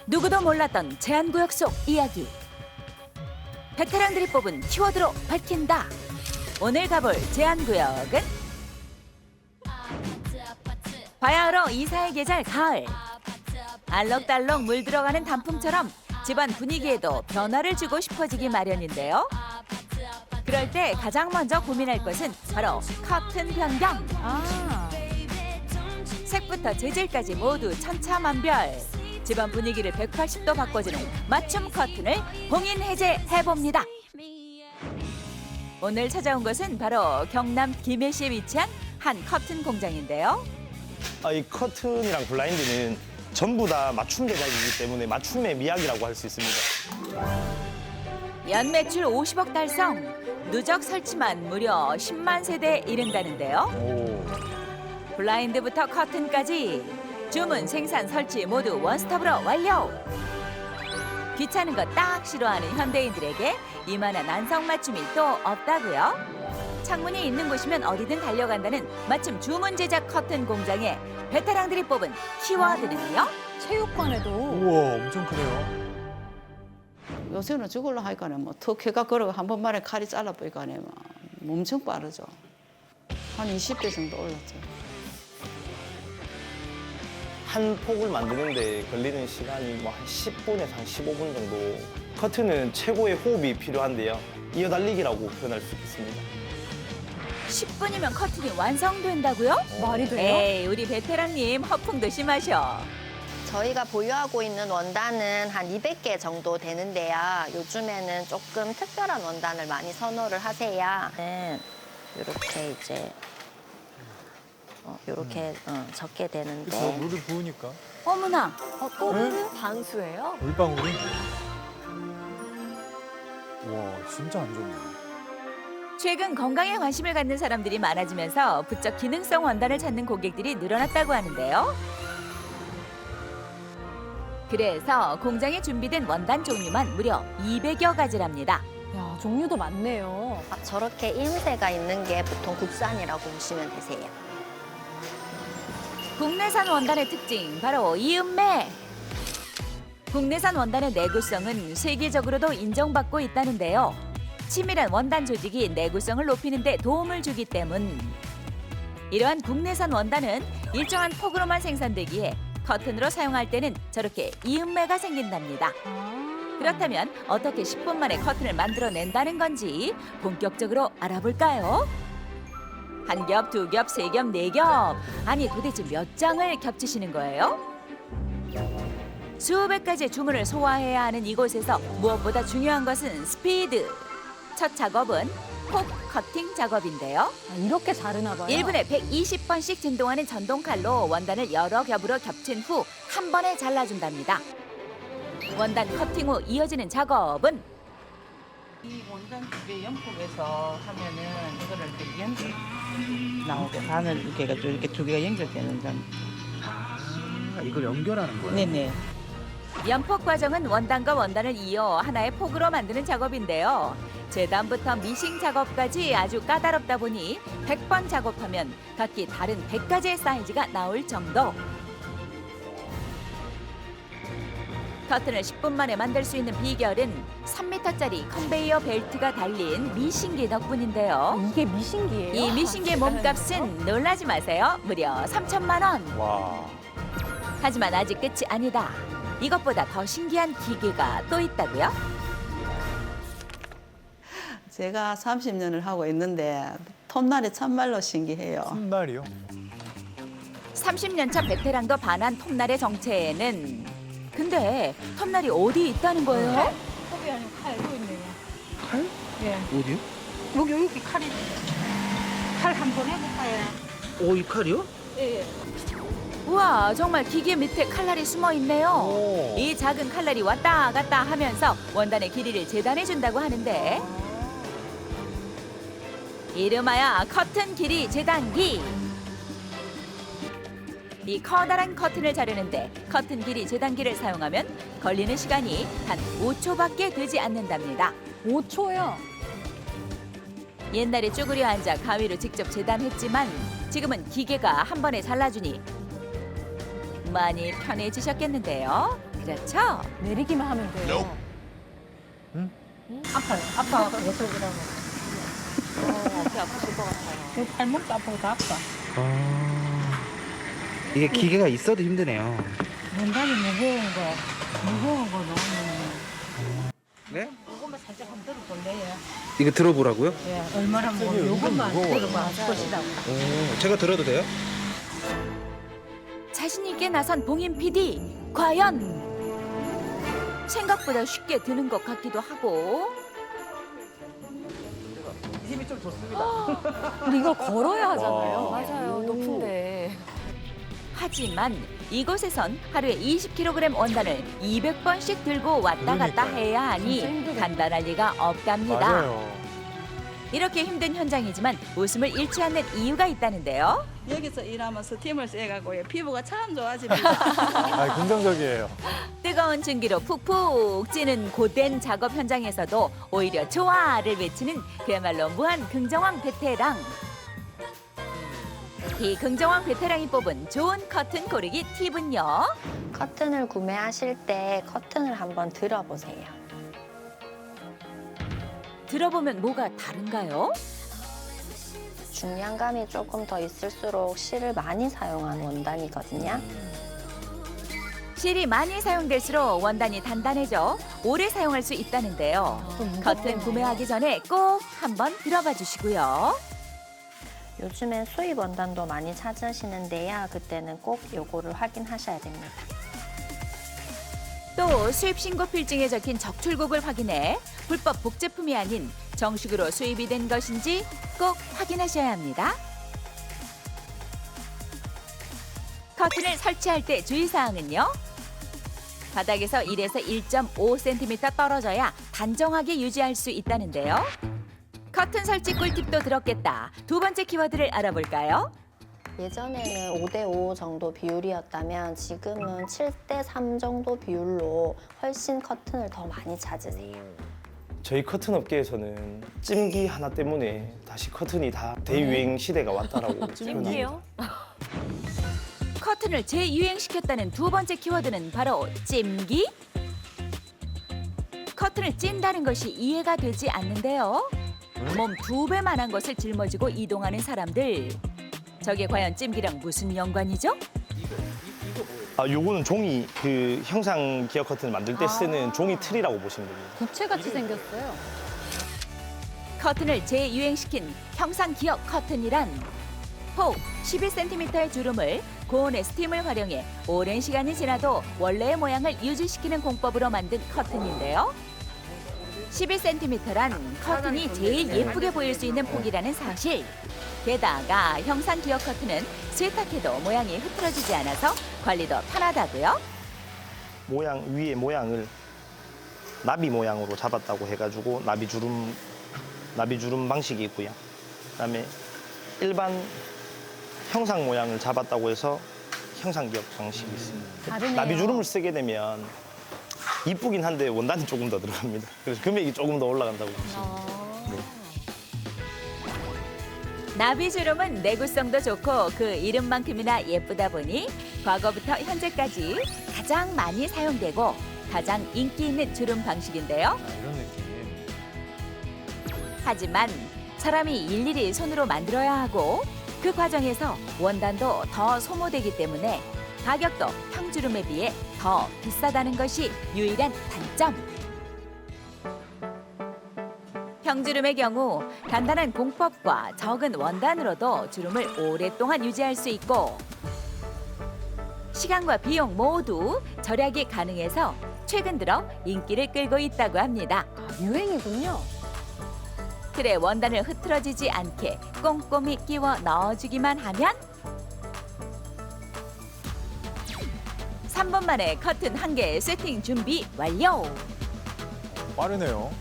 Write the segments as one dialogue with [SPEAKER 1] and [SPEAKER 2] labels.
[SPEAKER 1] 누구도 몰랐던 제한구역 속 이야기. 베테랑들이 뽑은 키워드로 밝힌다. 오늘 가볼 제한구역은 바야흐로 이사의 계절 가을. 알록달록 물들어가는 단풍처럼 집안 분위기에도 변화를 주고 싶어지기 마련인데요. 그럴 때 가장 먼저 고민할 것은 바로 커튼 변경. 색부터 재질까지 모두 천차만별. 집안 분위기를 180도 바꿔주는 맞춤 커튼을 봉인 해제해봅니다. 오늘 찾아온 곳은 바로 경남 김해시에 위치한 한 커튼 공장인데요.
[SPEAKER 2] 이 커튼이랑 블라인드는 전부 다 맞춤 제작이기 때문에 맞춤의 미학이라고 할 수 있습니다.
[SPEAKER 1] 연매출 50억 달성, 누적 설치만 무려 10만 세대에 이른다는데요. 블라인드부터 커튼까지 주문, 생산, 설치 모두 원스톱으로 완료. 귀찮은 거 딱 싫어하는 현대인들에게 이만한 안성맞춤이 또 없다고요. 창문이 있는 곳이면 어디든 달려간다는 맞춤 주문 제작 커튼 공장에 베테랑들이 뽑은 키워드는요.
[SPEAKER 3] 체육관에도
[SPEAKER 4] 우와, 엄청 크네요.
[SPEAKER 5] 요새는 저걸로 하니까는 뭐 터키가 걸어가 한 번만에 칼이 잘라보니까는 뭐 엄청 빠르죠. 한 20배 정도 올랐죠.
[SPEAKER 2] 한 폭을 만드는데 걸리는 시간이 뭐 한 10분에서 한 15분 정도. 커튼은 최고의 호흡이 필요한데요. 이어달리기라고 표현할 수 있습니다.
[SPEAKER 1] 10분이면 커튼이 완성된다고요?
[SPEAKER 3] 말이 돼요?
[SPEAKER 1] 에이, 우리 베테랑님 허풍도 심하셔.
[SPEAKER 6] 저희가 보유하고 있는 원단은 한 200개 정도 되는데요. 요즘에는 조금 특별한 원단을 많이 선호를 하세요. 이렇게 이제 이렇게 적게
[SPEAKER 4] 그쵸,
[SPEAKER 6] 되는데
[SPEAKER 4] 물을 부으니까.
[SPEAKER 1] 어머나,
[SPEAKER 3] 또
[SPEAKER 4] 네?
[SPEAKER 3] 방수예요?
[SPEAKER 4] 물방울이. 와, 진짜 안 좋네.
[SPEAKER 1] 최근 건강에 관심을 갖는 사람들이 많아지면서 부쩍 기능성 원단을 찾는 고객들이 늘어났다고 하는데요. 그래서 공장에 준비된 원단 종류만 무려 200여 가지랍니다.
[SPEAKER 3] 야, 종류도 많네요.
[SPEAKER 6] 저렇게 임새가 있는 게 보통 국산이라고 보시면 되세요.
[SPEAKER 1] 국내산 원단의 특징 바로 이음매. 국내산 원단의 내구성은 세계적으로도 인정받고 있다는데요. 치밀한 원단 조직이 내구성을 높이는 데 도움을 주기 때문. 이러한 국내산 원단은 일정한 폭으로만 생산되기에 커튼으로 사용할 때는 저렇게 이음매가 생긴답니다. 그렇다면 어떻게 10분 만에 커튼을 만들어낸다는 건지 본격적으로 알아볼까요? 한 겹, 두 겹, 세 겹, 네 겹. 아니 도대체 몇 장을 겹치시는 거예요? 수백 가지의 주문을 소화해야 하는 이곳에서 무엇보다 중요한 것은 스피드. 첫 작업은 폭 커팅 작업인데요.
[SPEAKER 3] 이렇게 자르나 봐요.
[SPEAKER 1] 1분에 120번씩 진동하는 전동칼로 원단을 여러 겹으로 겹친 후 한 번에 잘라준답니다. 원단 커팅 후 이어지는 작업은
[SPEAKER 7] 이 원단 두 개 연폭에서 하면은 이거를 이렇게 연결 나오게 바늘 이렇게 해가지고 이렇게 두 개가 연결되는 점.
[SPEAKER 4] 이걸 연결하는 거예요?
[SPEAKER 7] 네네.
[SPEAKER 1] 연폭 과정은 원단과 원단을 이어 하나의 폭으로 만드는 작업인데요. 재단부터 미싱 작업까지 아주 까다롭다 보니 100번 작업하면 각기 다른 100가지의 사이즈가 나올 정도. 커튼을 10분 만에 만들 수 있는 비결은 3m짜리 컨베이어 벨트가 달린 미싱기 덕분인데요.
[SPEAKER 3] 이게 미신기예요?
[SPEAKER 1] 이 미싱기의 몸값은 놀라지 마세요. 무려 3천만 원.
[SPEAKER 2] 와.
[SPEAKER 1] 하지만 아직 끝이 아니다. 이것보다 더 신기한 기계가 또 있다고요?
[SPEAKER 5] 제가 30년을 하고 있는데 톱날이 참말로 신기해요.
[SPEAKER 4] 톱날이요?
[SPEAKER 1] 30년 차 베테랑도 반한 톱날의 정체에는 근데 톱날이 어디 있다는 거예요?
[SPEAKER 7] 톱이 아니고 칼, 또 있네요.
[SPEAKER 4] 칼?
[SPEAKER 7] 예.
[SPEAKER 4] 어디요?
[SPEAKER 7] 여기 칼이. 칼 한 번 해볼까요?
[SPEAKER 8] 이 칼이요?
[SPEAKER 7] 예.
[SPEAKER 1] 우와, 정말 기계 밑에 칼날이 숨어 있네요.
[SPEAKER 4] 오.
[SPEAKER 1] 이 작은 칼날이 왔다 갔다 하면서 원단의 길이를 재단해 준다고 하는데 이름하여 커튼 길이 재단기. 이 커다란 커튼을 자르는데 커튼 길이 재단기를 사용하면 걸리는 시간이 단 5초밖에 되지 않는답니다.
[SPEAKER 3] 5초요?
[SPEAKER 1] 옛날에 쭈그려 앉아 가위로 직접 재단했지만 지금은 기계가 한 번에 잘라주니 많이 편해지셨겠는데요. 그렇죠?
[SPEAKER 3] 내리기만 하면 돼요.
[SPEAKER 7] 아파 계속 이러고.
[SPEAKER 1] 어깨 아프실 것 같아요.
[SPEAKER 7] 팔목도 아프고 다 아파.
[SPEAKER 4] 이게 기계가 있어도 힘드네요.
[SPEAKER 7] 원단이 무거운 거 넣으면
[SPEAKER 4] 네?
[SPEAKER 7] 요것만 살짝 한번 들어볼래요?
[SPEAKER 4] 이거 들어보라고요?
[SPEAKER 7] 예, 얼마나 무거워. 요것만 들어봐 보시라고.
[SPEAKER 4] 제가 들어도 돼요?
[SPEAKER 1] 자신 있게 나선 봉인 PD. 과연 생각보다 쉽게 드는 것 같기도 하고.
[SPEAKER 4] 힘이 좀 좋습니다.
[SPEAKER 3] 근데 이걸 걸어야 하잖아요.
[SPEAKER 8] 맞아요. 높은데.
[SPEAKER 1] 하지만 이곳에선 하루에 20kg 원단을 200번씩 들고 왔다 갔다
[SPEAKER 4] 그러니까요.
[SPEAKER 1] 해야 하니
[SPEAKER 3] 진짜 힘들겠다.
[SPEAKER 1] 간단할 리가 없답니다. 이렇게 힘든 현장이지만 웃음을 잃지 않는 이유가 있다는데요.
[SPEAKER 9] 여기서 일하면 스팀을 쐬가고요. 피부가 참 좋아집니다.
[SPEAKER 4] 긍정적이에요.
[SPEAKER 1] 뜨거운 증기로 푹푹 찌는 고된 작업 현장에서도 오히려 좋아를 외치는 그야말로 무한 긍정왕 베테랑. 이 긍정왕 베테랑이 뽑은 좋은 커튼 고르기 팁은요.
[SPEAKER 6] 커튼을 구매하실 때 커튼을 한번 들어보세요.
[SPEAKER 1] 들어보면 뭐가 다른가요?
[SPEAKER 6] 중량감이 조금 더 있을수록 실을 많이 사용한 원단이거든요.
[SPEAKER 1] 실이 많이 사용될수록 원단이 단단해져 오래 사용할 수 있다는데요. 커튼 구매하기 전에 꼭 한번 들어봐 주시고요.
[SPEAKER 6] 요즘엔 수입 원단도 많이 찾으시는데요. 그때는 꼭 요거를 확인하셔야 됩니다.
[SPEAKER 1] 또 수입 신고 필증에 적힌 적출국을 확인해 불법 복제품이 아닌 정식으로 수입이 된 것인지 꼭 확인하셔야 합니다. 커튼을 설치할 때 주의사항은요. 바닥에서 1에서 1.5cm 떨어져야 단정하게 유지할 수 있다는데요. 커튼 설치 꿀팁도 들었겠다. 두 번째 키워드를 알아볼까요?
[SPEAKER 6] 예전에는 5대5 정도 비율이었다면 지금은 7대3 정도 비율로 훨씬 커튼을 더 많이 찾으세요.
[SPEAKER 2] 저희 커튼 업계에서는 찜기 하나 때문에 다시 커튼이 다 대유행 시대가 왔다라고
[SPEAKER 8] 찜기요?
[SPEAKER 1] 커튼을 재유행시켰다는 두 번째 키워드는 바로 찜기? 커튼을 찐다는 것이 이해가 되지 않는데요. 몸 2배만한 것을 짊어지고 이동하는 사람들. 저게 과연 찜기랑 무슨 연관이죠?
[SPEAKER 2] 요거는 종이 그 형상 기어 커튼 만들 때 쓰는 종이 틀이라고 보시면 됩니다.
[SPEAKER 3] 부채같이 생겼어요.
[SPEAKER 1] 커튼을 재유행시킨 형상 기역 커튼이란 폭 11cm의 주름을 고온의 스팀을 활용해 오랜 시간이 지나도 원래의 모양을 유지시키는 공법으로 만든 커튼인데요. 11cm란 커튼이 제일 예쁘게 보일 수 있는 폭이라는 사실. 게다가 형상 기역 커튼은 세탁해도 모양이 흐트러지지 않아서 관리도 편하다고요.
[SPEAKER 2] 모양 위에 모양을 나비 모양으로 잡았다고 해가지고 나비주름 방식이 있고요. 그다음에 일반 형상 모양을 잡았다고 해서 형상 기역 방식이 있습니다.
[SPEAKER 3] 다르네요.
[SPEAKER 2] 나비주름을 쓰게 되면 이쁘긴 한데 원단이 조금 더 들어갑니다. 그래서 금액이 조금 더 올라간다고 보시면.
[SPEAKER 1] 나비주름은 내구성도 좋고 그 이름만큼이나 예쁘다 보니 과거부터 현재까지 가장 많이 사용되고 가장 인기 있는 주름 방식인데요.
[SPEAKER 4] 이런 느낌.
[SPEAKER 1] 하지만 사람이 일일이 손으로 만들어야 하고 그 과정에서 원단도 더 소모되기 때문에 가격도 평주름에 비해 더 비싸다는 것이 유일한 단점. 평주름의 경우 간단한 공법과 적은 원단으로도 주름을 오랫동안 유지할 수 있고 시간과 비용 모두 절약이 가능해서 최근 들어 인기를 끌고 있다고 합니다.
[SPEAKER 3] 유행이군요.
[SPEAKER 1] 틀에 원단을 흐트러지지 않게 꼼꼼히 끼워 넣어주기만 하면 3분 만에 커튼 1개 세팅 준비 완료!
[SPEAKER 4] 빠르네요.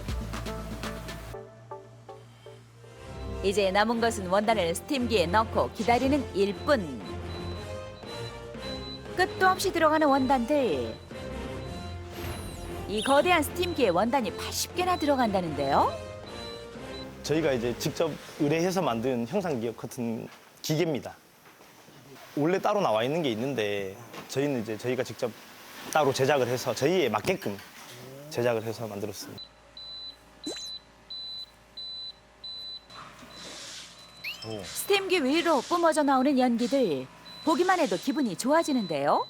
[SPEAKER 1] 이제 남은 것은 원단을 스팀기에 넣고 기다리는 일뿐. 끝도 없이 들어가는 원단들. 이 거대한 스팀기에 원단이 80개나 들어간다는데요.
[SPEAKER 2] 저희가 이제 직접 의뢰해서 만든 형상 기역 커튼 기계입니다. 원래 따로 나와 있는 게 있는데 저희는 이제 저희가 직접 따로 제작을 해서 저희에 맞게끔 제작을 해서 만들었습니다.
[SPEAKER 1] 스팀기 위로 뿜어져 나오는 연기들 보기만 해도 기분이 좋아지는데요.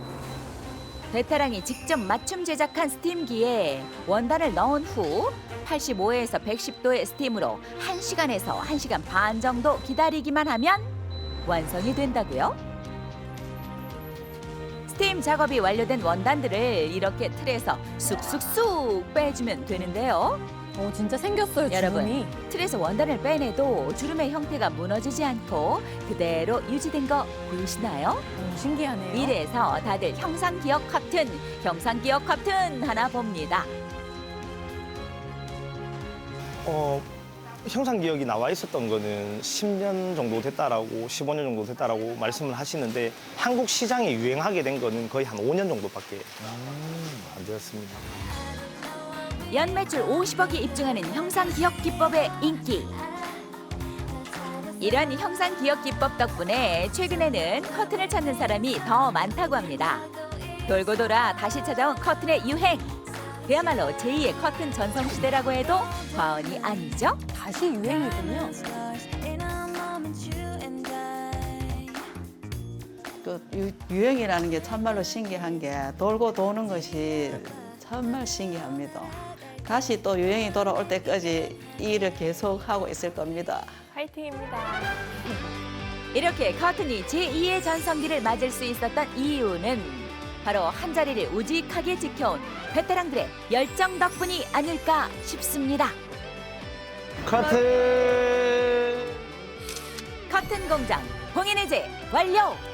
[SPEAKER 1] 베테랑이 직접 맞춤 제작한 스팀기에 원단을 넣은 후 85에서 110도의 스팀으로 1시간에서 1시간 반 정도 기다리기만 하면 완성이 된다고요. 스팀 작업이 완료된 원단들을 이렇게 틀에서 쑥쑥쑥 빼주면 되는데요.
[SPEAKER 3] 진짜 생겼어요,
[SPEAKER 1] 여러분,
[SPEAKER 3] 주름이.
[SPEAKER 1] 틀에서 원단을 빼내도 주름의 형태가 무너지지 않고 그대로 유지된 거 보이시나요?
[SPEAKER 3] 신기하네요.
[SPEAKER 1] 이래서 다들 형상기억 경상기억 커튼 하나 봅니다.
[SPEAKER 2] 형상 기억이 나와 있었던 거는 10년 정도 됐다라고 15년 정도 됐다라고 말씀을 하시는데 한국 시장에 유행하게 된 거는 거의 한 5년 정도밖에 안 되었습니다.
[SPEAKER 1] 연매출 50억이 입증하는 형상기억 기법의 인기. 이런 형상기억 기법 덕분에 최근에는 커튼을 찾는 사람이 더 많다고 합니다. 돌고 돌아 다시 찾아온 커튼의 유행. 그야말로 제2의 커튼 전성시대라고 해도 과언이 아니죠?
[SPEAKER 3] 다시 유행이군요.
[SPEAKER 5] 유행이라는 게 참말로 신기한 게 돌고 도는 것이 정말 신기합니다. 다시 또 유행이 돌아올 때까지 이 일을 계속하고 있을 겁니다.
[SPEAKER 1] 이렇게 커튼이 제2의 전성기를 맞을 수 있었던 이유는 바로 한자리를 우직하게 지켜온 베테랑들의 열정 덕분이 아닐까 싶습니다.
[SPEAKER 2] 커튼!
[SPEAKER 1] 커튼 공장 봉인해제 완료!